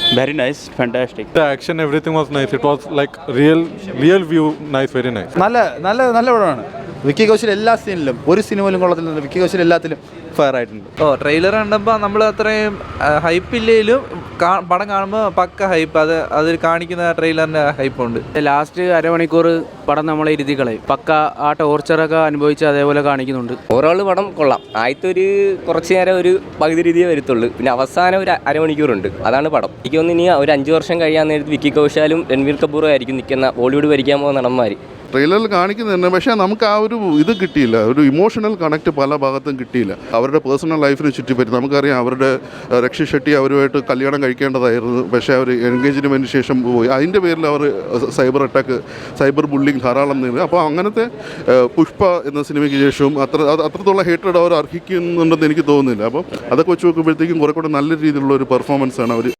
Very nice, fantastic. The action, everything was nice. It was like real view, nice, very nice. നല്ല പടമാണ്. വിക്കി കൗശൽ എല്ലാ സീനിലും ഒരു സിനിമയിലും കൊള്ളത്തില്ല. വിക്കി കൗശൽ എല്ലാത്തിലും ഫെയർ ആയിട്ടുണ്ട്. ട്രെയിലർ കണ്ടപ്പോൾ നമ്മൾ അത്രയും ഹൈപ്പില്ലേലും പടം കാണുമ്പോൾ പക്ക ഹൈപ്പ്, അതിൽ കാണിക്കുന്ന ട്രെയിലറിൻ്റെ ഹൈപ്പുണ്ട്. ലാസ്റ്റ് അരമണിക്കൂർ പടം നമ്മളെ ഇരുത്തി കളയും. പക്ക ആ ടോർച്ചറൊക്കെ അനുഭവിച്ച് അതേപോലെ കാണിക്കുന്നുണ്ട്. ഓവറോൾ പടം കൊള്ളാം. ആദ്യത്തെ ഒരു കുറച്ച് നേരം ഒരു പകുതി രീതിയെ വരത്തുള്ളൂ, പിന്നെ അവസാനം ഒരു അരമണിക്കൂറുണ്ട്, അതാണ് പടം. എനിക്ക് തോന്നുന്നു ഇനി ഒരു 5 വർഷം കഴിയാൻ നേരത്ത് വിക്കി കൗശലും രൺവീർ കപൂറും ആയിരിക്കും നിൽക്കുന്ന ബോളിവുഡ് ഭരിക്കാൻ പോകുന്ന നടന്മാർ. ട്രെയിലറിൽ കാണിക്കുന്നുണ്ട്, പക്ഷേ നമുക്ക് ആ ഒരു ഇത് കിട്ടിയില്ല, ഒരു ഇമോഷണൽ കണക്ട് പല ഭാഗത്തും കിട്ടിയില്ല. അവരുടെ പേഴ്സണൽ ലൈഫിനെ ചുറ്റിപ്പറ്റി നമുക്കറിയാം, അവരുടെ രക്ഷി ഷെട്ടി അവരുമായിട്ട് കല്യാണം കഴിക്കേണ്ടതായിരുന്നു, പക്ഷേ അവർ എൻഗേജ്മെൻറ്റിന് ശേഷം പോയി. അതിൻ്റെ പേരിൽ അവർ സൈബർ അറ്റാക്ക്, സൈബർ ബുള്ളിങ് ധാരാളം നേരിടും. അപ്പോൾ അങ്ങനത്തെ പുഷ്പ എന്ന സിനിമയ്ക്ക് ശേഷവും അത്രത്തോളം ഹേറ്റഡ് അവർ അർഹിക്കുന്നുണ്ടെന്ന് എനിക്ക് തോന്നുന്നില്ല. അപ്പോൾ അതൊക്കെ വെച്ച് നോക്കുമ്പോഴത്തേക്കും കുറെ കൂടെ നല്ല രീതിയിലുള്ള ഒരു പെർഫോമൻസാണ് അവർ